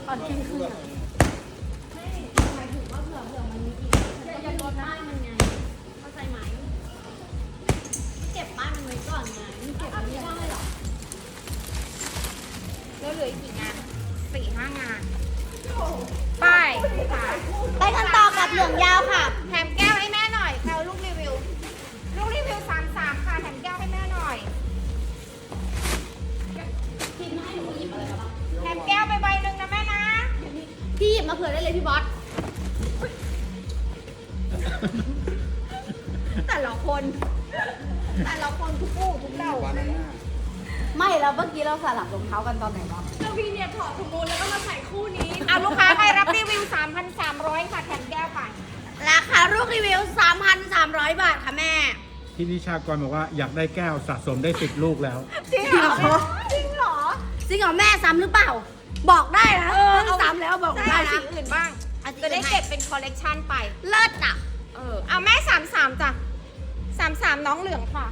ตอนเที่ยงคืนไม่หมายถึงว่าเผื่อมันมีอีกจะลดป้ายมันไงเข้าใจไหมเก็บป้ายมันไว้ก่อนไงเก็บไม่ได้หรอแล้วเหลืออีกกี่งาน 4-5 งานป้ายไปกันต่อกับเหลืองยาวค่ะแถมแก้วให้แม่หน่อยแถวลูกรีวิว33ค่ะแถมแก้วให้แม่หน่อยพี่ให้หนูหยิบอะไรมาบ้างแถมแก้วไปใบหนึ่งนะแม่นะพี่หยิบมาเผื่อได้เลยพี่บอสแต่ละคนทุกคู่ทุกเดาไม่แล้วเมื่อกี้เราสลับรองเท้ากันตอนไหนวะก็พี่เนี่ยถอดสมูลแล้วก็มาใส่คู่นี้เอาลูกค้าใครรับรีวิว 3,300 ค่ะแถมแก้วไปราคาลูกรีวิว 3,300 บาทค่ะแม่พี่นิชากรบอกว่าอยากได้แก้วสะสมได้10 ลูกแล้วจริงเหรอจริงเหรอแม่ซ้ำหรือเปล่าบอกได้นะซ้ำแล้วบอกได้นะสีอื่นบ้างจะได้เก็บเป็นคอลเลกชันไปเลิศอ่ะเอาแม่33จ้ะ33น้องเหลืองค่ะ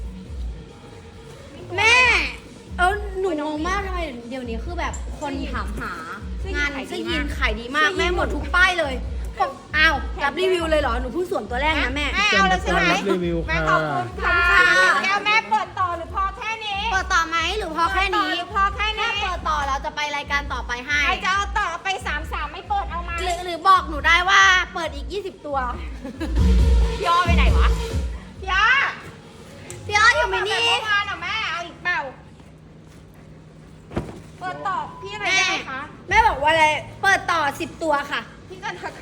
แม่หนูงงมากทำไมเดี๋ยวนี้คือแบบคนถามหางานเสื้อยีนขายดีมากแม่หมดทุกป้ายเลยบอกอ้าวรับรีวิวเลยเหรอหนูเพิ่งสวมตัวแรกนะแม่เอาเลยใช่ไหมรับรีวิวค่ะแม่ขอบคุณค่ะแก้วแม่เปิดต่อหรือพอแค่นี้เปิดต่อไหมหรือพอแค่นี้หรือพอแค่นี้ถ้าเปิดต่อเราจะไปรายการต่อไปให้ใครจะเอาต่อไป33ไม่เปิดเอาไหมหรือบอกหนูได้ว่าเปิดอีก20ตัวพี่อ้อไปไหนวะพี่อ้ออยู่ไหมนี่เมื่อวานเหรอแม่เอาอีกเปล่าเปิดต่อพี่อะไรได้คะแม่บอกว่าอะไรเปิดต่อ10ตัวค่ะพี่กันทัก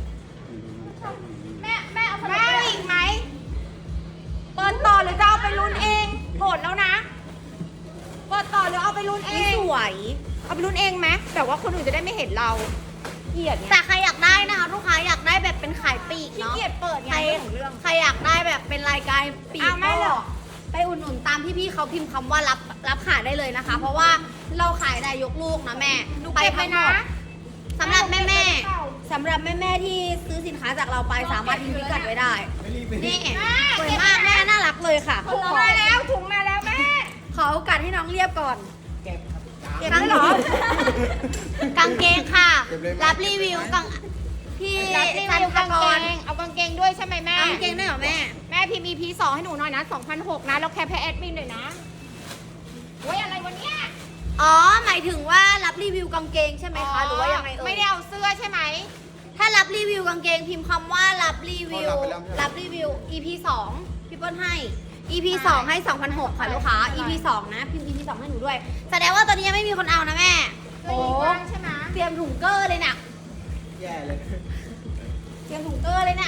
แม่เอาแม่อีกไหมเปิดต่อหรือจะเอาไปลุ้นเองหมดแล้วนะเปิดต่อหรือเอาไปลุ้นเองสวยเอาไปลุ้นเองไหมแบบว่าคนอื่นจะได้ไม่เห็นเราเกลียดแต่ใครอยากได้นะคะลูกค้าอยากได้แบบเป็นขายปีกเนาะเกลียดเปิดไงเรื่องใครอยากได้แบบเป็นรายการปีกไม่หรอไปอุดหนุนตามพี่ๆเขาพิมพ์คำว่ารับขายได้เลยนะคะ เพราะว่าเราขายได้ยกลูกนะแม่ไปทั้งหมดสำหรับแม่ที่ซื้อสินค้าจากเราไปสามารถทิ้งพิกัดไว้ได้นี่สวยมากแม่น่ารักเลยค่ะถุงมาแล้วแม่ขอโอกาสให้น้องเรียบก่อนเก็บได้หรอกางเกงค่ะรับรีวิวพี่ซันกางเกงเอากางเกงด้วยใช่ไหมแม่กางเกงได้เหรอแม่พิมพ์ EP2 ให้หนูหน่อยนะ 2,600 นะแล้วแคปให้แอดมินหน่อยนะโอ้ยอะไรวันเนี้ยอ๋อหมายถึงว่ารับรีวิวกางเกงใช่ไหมคะหรือว่ายังไงไม่ได้เอาเสื้อใช่ไหมถ้ารับรีวิวกางเกงพิมพ์คำว่ารับรีวิว EP2 พี่เปิ้ลให้ EP2 ให้ 2,600 ค่ะลูกค้า EP2 นะพิมพ์ EP2 ให้หนูด้วยแสดงว่าตอนนี้ยังไม่มีคนเอานะแม่โอ้ใช่ไหมเตรียมถุงเกอร์เลยน่ะแย่เลยเตรียมถุงเกอร์เลยน่ะ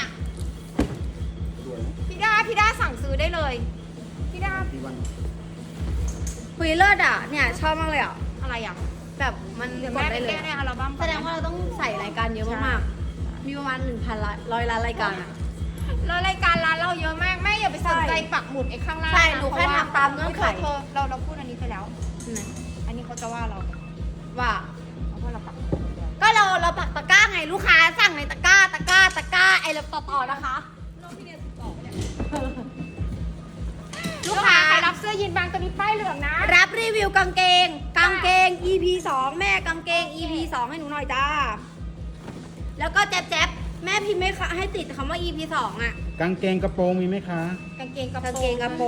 พี่ด้าสั่งซื้อได้เลยพี่ด้าคุยเลิศอ่ะเนี่ยชอบมากเลยอ่ะอะไรอ่ะแบบมันกดได้เลยในอัลบั้มแสดงว่าเราต้องใส่รายการเยอะมากๆมีประมาณ 1,100 ล้านรายการอ่ะแล้วรายการร้านเราเยอะมากแม่อย่าไปสนใจปักหมุดไอ้ข้างล่างใช่หนูแค่ทำตามเงื่อนไขเราพูดอันนี้ไปแล้วอันนี้เขาจะว่าเราเราปักก็เราปักตะกร้าไงลูกค้าสั่งในตะกร้าไอ้เราต่อนะคะลูกค้าใครรับเสื้อยีนบางตัวนี้ป้ายเหลืองนะรับรีวิวกางเกง EP2 แม่กางเกง EP2 ให้หนูหน่อยจ้าแล้วก็แจ๊บแม่พิมพ์ไม่ให้ติดคำว่า EP2 อ่ะกางเกงกระโปรงมีไหมคะกางเกงกระโปรง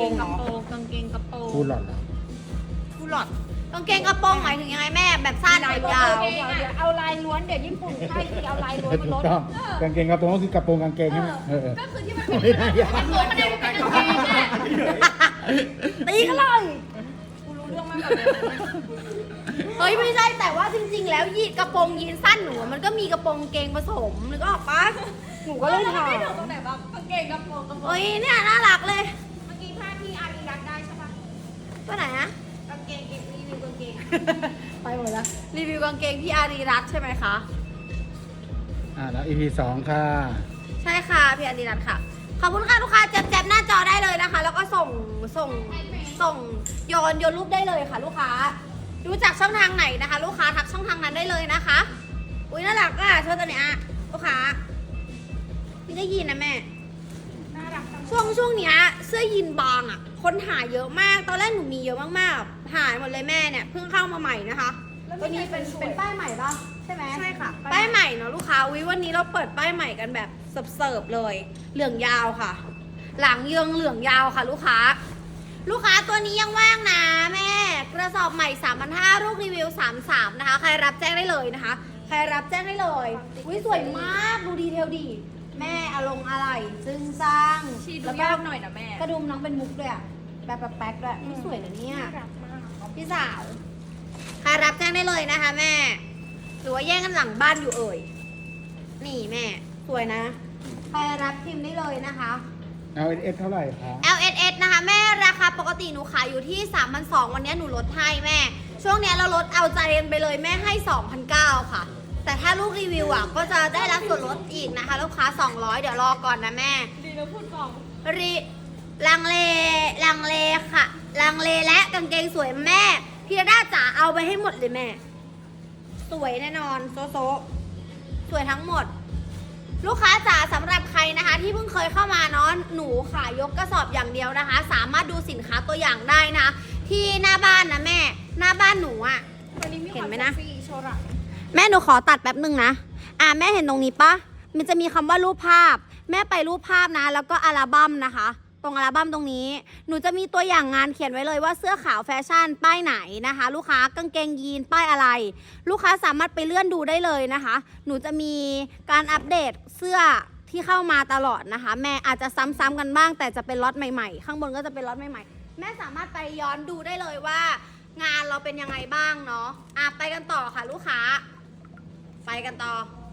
ฟูลหลอดเหรอฟูลหลอดกางเกงกระโปรงหมายถึงยังไงแม่แบบสั้นหรือยาวเดี๋ยวเอาลายล้วนเดี๋ยวญี่ปุ่นใช่เอาลายล้วนมันลดกางเกงกระโปรงก็คือกระโปรงกางเกงใช่ไหมก็คือที่มันเป็นกระโปรงมันเป็นกางเกงแม่ตีกันเลยกูรู้เรื่องมากเฮ้ยไม่ใช่แต่ว่าจริงๆแล้วกระโปรงยีนสั้นหนูมันก็มีกระโปรงเกงผสมนึกออกปะหนูก็เลยถามไม่ถูกตรงไหนบ้างกางเกงกระโปรงเฮ้ยเนี่ยน่ารักเลยเมื่อกี้ผ้าที่อารีรักได้ใช่ปะตัวไหนนะกางเกงรีวิวกางเกงไปหมดแล้วรีวิวกางเกงพี่อารีรัตน์ใช่ไหมคะแล้ว EP2 ค่ะใช่ค่ะพี่อารีรัตน์ค่ะขอบคุณค่ะลูกค้าแจ๊บหน้าจอได้เลยนะคะแล้วก็ส่งโยนรูปได้เลยค่ะลูกค้าดูจากช่องทางไหนนะคะลูกค้าทักช่องทางนั้นได้เลยนะคะอุ้ยน่ารักอ่ะเธอตัวเนี้ยลูกค้าไม่ได้ยินนะแม่ช่วงเนี้ยเสื้อยีนบางอ่ะคนหาเยอะมากตอนแรกหนูมีเยอะมากๆหายหมดเลยแม่เนี่ยเพิ่งเข้ามาใหม่นะคะตัวนี้เป็นป้ายใหม่ป่ะใช่ใช่ค่ะป้ายใหม่เนาะลูกค้าวิวันนี้เราเปิดป้ายใหม่กันแบบเสิร์ฟๆเลย เหลืองยาวค่ะ หลังเยืองเหลืองยาวค่ะ ลูกค้าตัวนี้ยังว่างนะแม่กระสอบใหม่ 3,500 ลูกรีวิว 33นะคะใครรับแจ้งได้เลยนะคะใครรับแจ้งได้เลยอุ้ยสวยมากดูดีเทลดีแม่อารมณ์อะไรซึ่งสร้างชีดูแล้วก็ยากหน่อยนะแม่กระดุมน้องเป็นมุกด้วยอะแบบแป๊กๆด้วยนี่สวยนะเนี่ยน่ารักมากพี่สาวใครรับแจ้งได้เลยนะคะแม่หรือว่าแย่งกันหลังบ้านอยู่เอ่ยนี่แม่สวยนะใครรับพิมพ์ได้เลยนะคะ LS เท่าไหร่คะ LSS นะคะแม่ราคาปกติหนูขายอยู่ที่ 3,200 วันนี้หนูลดให้แม่ ช่วงนี้เราลดเอาใจกันไปเลยแม่ให้ 2,900 ค่ะ แต่ถ้าลูกรีวิวอ่ะก็จะได้รับส่วนลดอีกนะคะลูกค้า 200 เดี๋ยวรอก่อนนะแม่ดีนะพูดก่อนลังเลค่ะลังเลและกางเกงสวยแม่พี่ดาจ๋าเอาไปให้หมดเลยแม่ สวยแน่นอนโซสวยทั้งหมด ลูกค้าจ๋าสำหรับใครนะคะ ที่เพิ่งเคยเข้ามาเนาะหนูขายยกกระสอบอย่างเดียวนะคะ สามารถดูสินค้าตัวอย่างได้นะ ที่หน้าบ้านนะแม่หน้าบ้านหนูอะวันนี้มีเห็นไหมความนะเซ็กซี่โชว์หลังแม่หนูขอตัดแป๊บหนึ่งนะแม่เห็นตรงนี้ปะมันจะมีคำว่ารูปภาพ แม่ไปรูปภาพนะ แล้วก็อัลบั้มนะคะ ตรงอัลบั้มตรงนี้ หนูจะมีตัวอย่างงานเขียนไว้เลยว่าเสื้อขาวแฟชั่นป้ายไหนนะคะ ลูกค้ากางเกงยีนป้ายอะไร ลูกค้าสามารถไปเลื่อนดูได้เลยนะคะ หนูจะมีการอัปเดตเสื้อที่เข้ามาตลอดนะคะ แม่อาจจะซ้ำๆกันบ้าง แต่จะเป็นล็อตใหม่ๆ ข้างบนก็จะเป็นล็อตใหม่ๆ แม่สามารถไปย้อนดูได้เลยว่า งานเราเป็นยังไงบ้างเนาะไปกันต่อค่ะลูกค้า ไปกันต่อ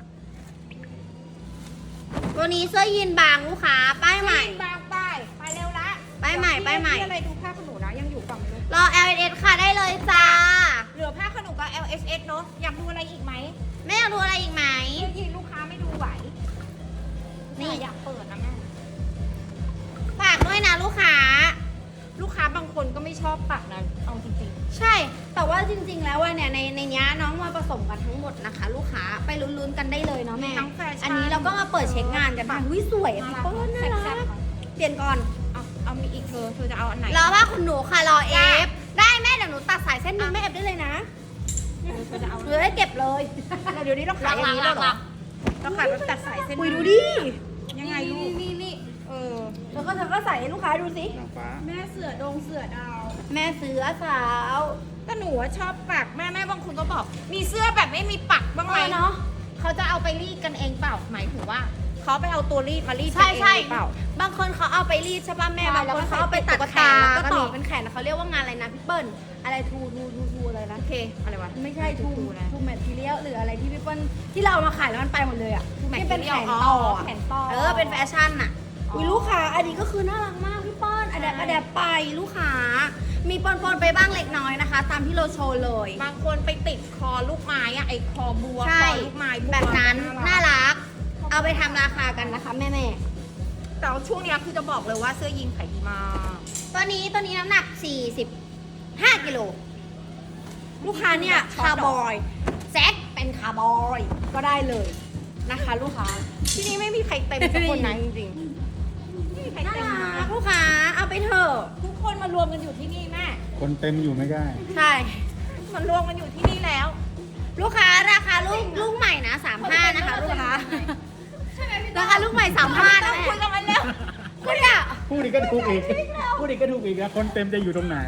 ตัวนี้เสื้อยีนบางลูกค้าป้ายใหม่บางป้ายไปเร็วละป้ายใหม่ป้ายใหม่พี่อะไรดูผ้าขนหนูนะยังอยู่ฝั่งนู้นรอ LS ค่ะได้เลยจ้าเหลือผ้าขนหนูกับ LSS เนอะอยากดูอะไรอีกไหมแม่อยากดูอะไรอีกไหมเมื่อกี้ลูกค้าไม่ดูไหวนี่อยากเปิดนะแม่ฝากด้วยนะลูกค้าลูกค้าบางคนก็ไม่ชอบปักนะเอาจริงใช่ แต่ว่าจริงๆ แล้วว่าเนี่ยในเนี้ยน้องมาผสมกันทั้งหมดนะคะ ลูกค้าไปลุ้นๆกันได้เลยเนาะแม่ทั้งแฟชั่นอันนี้เราก็มาเปิดเช็คงานกันค่ะวิสวยอ่ะพี่เปิ้ลน่ารักเปลี่ยนก่อนเอามีอีกเธอจะเอาอันไหนรอว่าคุณหนูค่ะรอเอฟได้แม่เดี๋ยวหนูตัดสายเส้นหนึงแม่เอฟได้เลยนะเธอจะเอาหนูได้เก็บเลยเดี๋ยวนี้เราขายอย่างนี้แล้วเหรอเราขายแบบตัดสายเส้นคุยดูดิยังไงลูกนี่เธอก็ใส่ให้ลูกค้าดูสินางฟ้าแม่เสือดงเสือดาวแม่เสือสาวแต่หนูอะชอบปักแม่บางคนก็บอก มีเสื้อแบบไม่มีปักบ้างไหมเนาะเขาจะเอาไปรีดกันเองเปล่าหมายถึงว่าเขาไปเอาตัวรีดมารีดกันใช่เองใช่หรือเปล่าบางคนเขาเอาไปรีดใช่ป่ะแม่ใช่บางคนเขาเอาไปตัดแขนแล้แล้ววก็ก็ต่อมีเป็นแขนเขาเรียกว่างานอะไรนะพี่เปิ้ลอะไรทูอะไรนะโอเคอะไรวะไม่ใช่ทูทูนะทูแมททีเรียลหรืออะไรที่พี่เปิ้ลที่เราเอามาขายแล้วมันไปหมดเลยอ่ะทูแมทที่เป็นแขนทีเรียลต่ออ๋ออะแขนต่อเป็นแฟชั่นอ่ะอ๋ออุ๊ยลูกค้าอันนี้ก็คือน่ารักมากพี่เปิ้ลอะแดปไปลูกค้ามีปนๆไปบ้างเล็กน้อยนะคะ ตามที่เราโชว์เลยบางคนไปติดคอลูกไม้อะไอคอบัวใช่คอลูกไม้บัวแบบนั้นน่ารักรัก เอาไปทำราคากันนะคะแม่แต่ว่าช่วงเนี้ยคือจะบอกเลยว่าเสื้อยีนขายดีมากๆตัวนี้น้ำหนัก 45 กิโลลูกค้าเนี่ยคาร์บอยแซกเป็นคาร์บอยก็ได้เลยนะคะ ลูกค้าที่นี่ไม่มีใครเต็มสักคนนะจริงๆไม่มีใครน่าเต็มรันะกลูกค้าเอาไปเถอะทุกคนมารวมกันอยู่ที่นี่แม่คนเต็มอยู่ไม่ได้ใช่มันรวมกันอยู่ที่นี่แล้วลูกค้าราคาลูกใหม่นะ35นะคะลูกค้าราคาลูกใหม่35 ต้นะองแม่คุยกันมาแล้วคุณอะพูดอีกก็ถูกอีก พูดอีกก็ถูกอีกนะคนเต็มจะอยู่ตรงไหน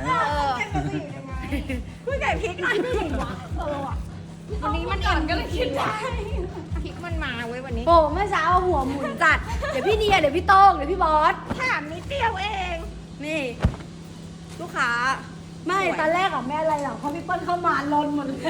คุยกับพริกหน่อยวันนี้มันอิ่มก็เลยคิดว่าพริกมันมาเว้ยวันนี้โอ้เมื่อเช้าหัวหมุนจัดเดี๋ยวพี่เดียเดี๋ยวพี่โต้งเดี๋ยวพี่บอสถามนิดเดียวเองนี่ ลูกค้าไม่สวยตอนแรกอะแม่อะไรหรอกเพราะพี่เปิ้ลเข้ามาลนหมดเลย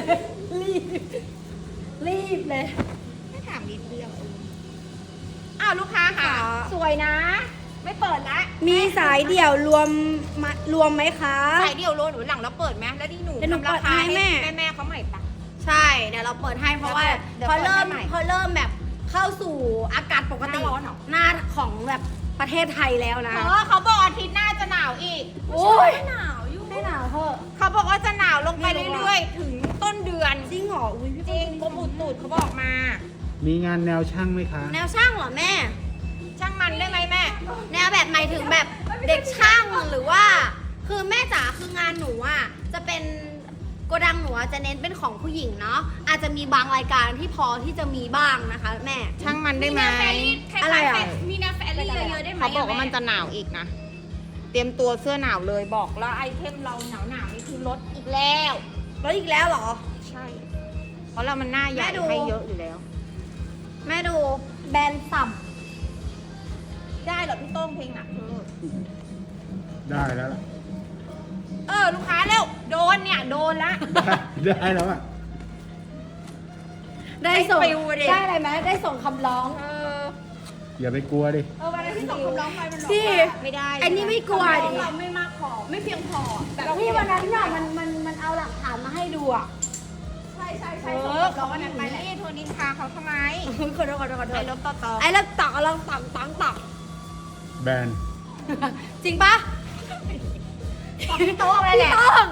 รีบเลยไม่ถามนิดเดียวอ้าวลูกค้าค่ะค่ะสวยนะ ไม่เปิดละมีสายเดี่ยวรวมไหมคะสายเดียวโลหนูหลังแล้วเปิดไหมแล้วที่หนูเดี๋ยวหนูทำราคาเปิดให้ให้แม่แม่เขาใหม่ปะใช่เดี๋ยวเราเปิดให้เพราะว่าเดี๋ยวพอเปิดเริ่มให้ใหม่พอเริ่มแบบเข้าสู่อากาศปกติหน้าร้อนเหรอหน้าของแบบประเทศไทยแล้วนะเขาบอกอาทิตย์หน้าจะหนาวอีกโอ้ยหนาวอยู่ไม่หนาวเถอะเขาบอกว่าจะหนาวลงไปไม่รู้เรื่อยๆ ถึงต้นเดือนจริงเหรออุ้ยพี่จริงกรมอุตุเขาบอกมามีงานแนวช่างไหมคะแนวช่างเหรอแม่ช่างมันได้ไหมแม่แนวแบบหมายถึงแบบเด็กช่างหรือว่า คือแม่จ๋าคืองานหนูอ่ะจะเป็นโกดังหนูอะจะเน้นเป็นของผู้หญิงเนาะอาจจะมีบางรายการที่พอที่จะมีบ้างนะคะแม่ช่างมันได้ไหมอะไรอ่ะมีแนวแฟรี่เยอะๆได้ไหมเขาบอกว่ามันจะหนาวอีกนะ เตรียมตัวเสื้อหนาวเลยบอกแล้วไอเทมเราหนาวๆนี่คือลดอีกแล้วแล้วอีกแล้วเหรอใช่ เพราะเรามันหน้าใหญ่แม่ดูให้เยอะอยู่แล้วแม่ดูแบรนด์สับได้เหรอพี่โต้งเพลงหนักได้แล้วล่ะลูกค้าเร็วโดนเนี่ยโดนละได้แล้วอ่ะได้ส่งได้ฟิวดิได้อะไรไหมได้ส่งคำร้องอย่าไปกลัวดิวันนั้นที่ส่งคำร้องไปมันบอกพี่ว่าไม่ได้อันนี้ไม่กลัวดิเราไม่มากพอไม่เพียงพอแบบพี่วันนั้นเนี่ยมันเอาหลักฐานมาให้ดูอ่ะใช่ส่งเราคำร้องวันนั้นไปนี่โทรนินทาเขาทำไมขอโทษขอโทษขอโทไอ้ษลบต่อไอ้แล้วตักเอาลองตักตักแบนจริงปะพี่โต้งเลยแหละพี่ต้อง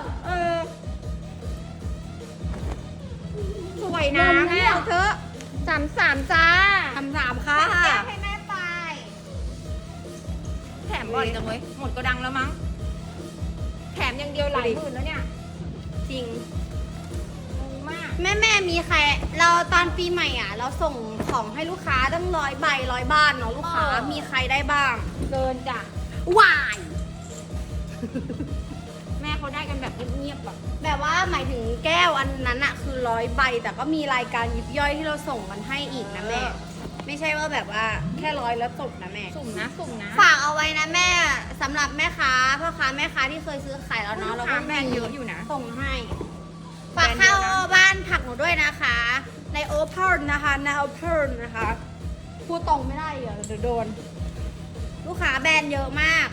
สวยนะแม่เอาเถอะ33จ้าคำถามค่ะแก้ให้แม่ไปแถมบ่อยจังเว้ยหมดก็ดังแล้วมั้ง แถมอย่างเดียวหลายหมื่นแล้วเนี่ยจริงงงมากแม่มีใครเราตอนปีใหม่อ่ะ เราส่งของให้ลูกค้าตั้ง100 ใบ100 บ้านเนาะลูกค้ามีใครได้บ้างเกินจ้ะวายแม่เขาได้กันแบบเงียบๆแบบแบบว่าหมายถึงแก้วอันนั้นอะคือ100 ใบ แต่ก็มีรายการยิบย่อยที่เราส่งกันให้อีกนะแม่ ไม่ใช่ว่าแบบว่าแค่100แล้วจบนะแม่สุ่มนะสุ่มนะฝากเอาไว้นะแม่สำหรับแม่ค้าพ่อค้าแม่ค้าที่เคยซื้อขายแล้วเนาะเราก็แบรนด์เยอะอยู่นะส่งให้ฝากเข้าบ้านผักหนูด้วยนะคะ ในโอเพนนะคะในโอเพนนะคะพูดตรงไม่ได้เดี๋ยวโดน ลูกค้าแบรนด์เยอะมาก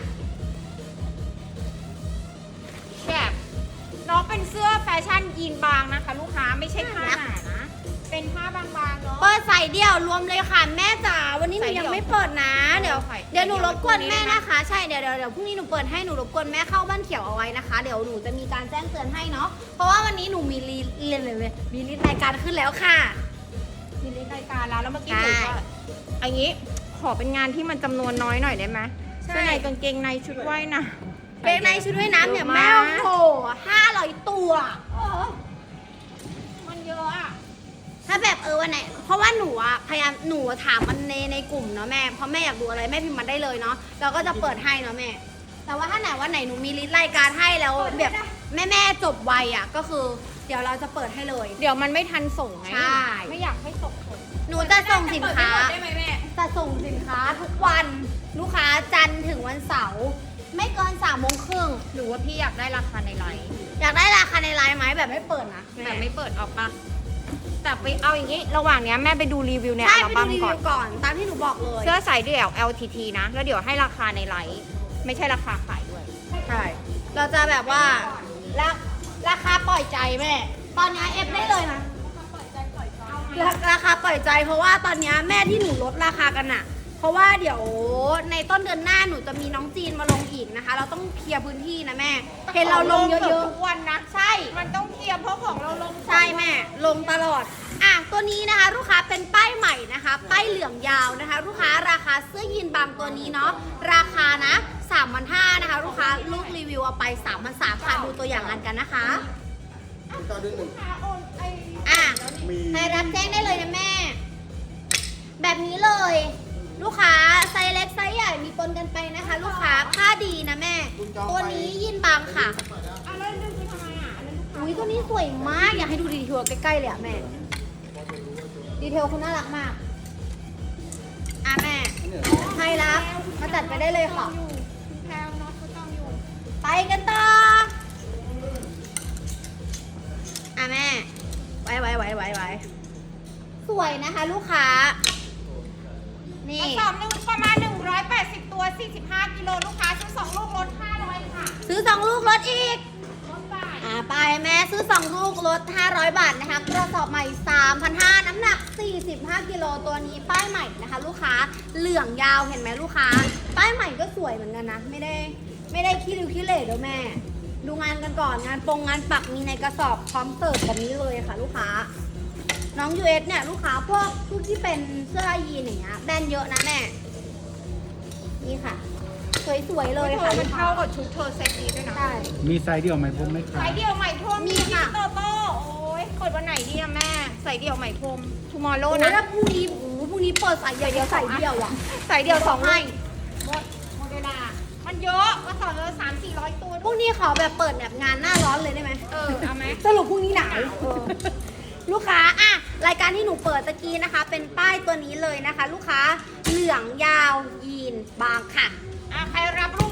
แบบน้องเป็นเสื้อแฟชั่นยีนบางนะคะ ลูกค้าไม่ใช่ผ้าหนานะ เป็นผ้าบางๆเนาะเปิดใส่เดี่ยวรวมเลยค่ะแม่จ๋าวันนี้หนูใส่เดี่ยัยวงไม่เปิดนะ เดี๋ยวใส่เดี๋ยวหนูรบกวนเดี่ยวแม่ไว้นะคะ ใช่เดี๋ยวพรุ่งนี้หนูเปิดให้หนูรบกวนแม่เข้าบ้านเขียวเอาไว้นะคะ เดี๋ยวหนูจะมีการแจ้งเตือนให้เนาะเพราะว่าวันนี้หนูมีมีลิสต์รายการขึ้นแล้วค่ะมีรายการแล้วเมื่อกี้ใช่หนูก็อันนี้ขอเป็นงานที่มันจำนวนน้อยหน่อยได้ไหมใช่เสื้อในกางเกงในชุดว่ายน้ำเป็นในชุดว่ายน้ำเนี่ยเยอะแม่มากโอ้โห500 ตัวมันเยอะอ่ะถ้าแบบวันไหนเพราะว่าหนูอะพยายามหนูถามมันในกลุ่มเนาะแม่เพราะแม่อยากดูอะไรแม่พิมพ์มาได้เลยเนาะเราก็จะเปิดให้เนาะแม่ แต่ว่าถ้าไหนวันไหนหนูมีลิสต์รายการให้แล้วแบบแม่จบไวอะก็คือ เดี๋ยวเราจะเปิดให้เลยเดี๋ยวมันไม่ทันส่งไงใช่ไม่อยากให้ส่งผลหนูจะส่งสินค้าได้ไหมแม่จะส่งสินค้าทุกวันลูกค้าจันทร์ถึงวันเสาร์ไม่เกิน3 โมงครึ่งหรือว่าพี่อยากได้ราคาในไลน์อยากได้ราคาในไลน์ไหมแบบไม่เปิดนะแบบไม่เปิดออกปะแต่ไปเอาอย่างนี้ ระหว่างเนี้ยแม่ไปดูรีวิวในใช่อัลไปบั้ดูมรีก่อวินวก่อนตามที่หนูบอกเลยเสื้อสายเดี่ยว LTT นะ แล้วเดี๋ยวให้ราคาในไลน์ไม่ใช่ราคาขายด้วยใช่เราจะแบบว่าราคาปล่อยใจแม่ตอนนี้เอฟได้เลยนะราคาปล่อยใจเพราะว่าตอนนี้แม่ที่หนูลดราคากันอะเพราะว่าเดี๋ยวในต้นเดือนหน้าหนูจะมีน้องจีนมาลงอีกนะคะ เราต้องเคลียร์พื้นที่นะแม่เห็นเราลงเยอะทุกวันนะๆใช่มันต้องเคลียร์เพราะของเราลงใช่แม่ลงตลอดอ่ะตัวนี้นะคะลูกค้าเป็นป้ายใหม่นะคะ ป้ายเหลืองยาวนะคะ ลูกค้าราคาเสื้อยีนบางตัวนี้เนาะราคานะ3,500นะคะ ลูกค้าลูกรีวิวเอาไป3,300ค่ะดูตัวอย่างกันนะคะต่อเดือนหนึ่งอ่ะมีใครรับแจ้งได้เลยนะแม่ แบบนี้เลย ลูกค้าไซส์เล็กไซส์ใหญ่มีปนกันไปนะคะ ลูกค้าผ้าดีนะแม่ ตัวนี้ยีนบางค่ะอะไรนึงคือทำไมอ่ะอันนั้นลูกค้าอุ้ยตัวนี้สวยมาก อยากให้ดูดีเทลใกล้ๆเลยอะแม่ ดีเทลคุณน่ารักมาก อ่ะแม่ใครรับมาจัดไปได้เลยค่ะแพลวเนาะเขาต้องอยู่ไปกันต่อ อ่ะแม่ ไว้สวยนะคะ ลูกค้า นี่กระสอบหนึงประมาณ 180 ตัว 45 กิโลลูกค้าซื้อ2 ลูกลด500ค่ะซื้อ2 ลูกลดอีกลดบาทไปแม่ซื้อ2 ลูกลด500 บาทนะคะกระสอบใหม่ 3,500 น้ำหนัก 45 กิโลตัวนี้ป้ายใหม่นะคะ ลูกค้าเหลืองยาวเห็นไหมลูกค้า ป้ายใหม่ก็สวยเหมือนกันนะ ไม่ได้ขี้ริ้วขี้เหร่เด้อแม่ ดูงานกันก่อนงานปักมีในกระสอบพร้อมเสิร์ฟแบบนี้เลยค่ะ ลูกค้า น้อง US เนี่ยลูกค้าพวกที่เป็นเสื้อยีนอย่างเงี้ยแบรนด์เยอะนะแม่ นี่ค่ะสวยๆเลยเธค่ะอมันเข้ากับชุดเธอเซ็ตนี้ด้วยนะใช่มีไซส์เดียวไหมผมไหมครัใส่บเดี่ยวใหม่พรมมีค่ะโตโต้โอ้ยเปิดวันไหนดีอะแม่ใส่เดี่ยวใหม่พรม tomorrow โอ้ยนะถ้าพรุ่งนี้โอ้โหพรุ่งนี้เปิดสายเดียวใส่เดียวอ่ะใส่เดี่ยวสองให้หมดเวลามันเยอะก็สอนเลย300-400 ตัวพรุ่งนี้ขอแบบเปิดแบบงานหน้าร้อนเลยได้ไหมเอาไหมสรุปพรุ่งนี้หนาวลูกค้าอ่ะรายการที่หนูเปิดตะกี้นะคะ เป็นป้ายตัวนี้เลยนะคะ ลูกค้าเหลืองยาวยีนบางค่ะใครรับลู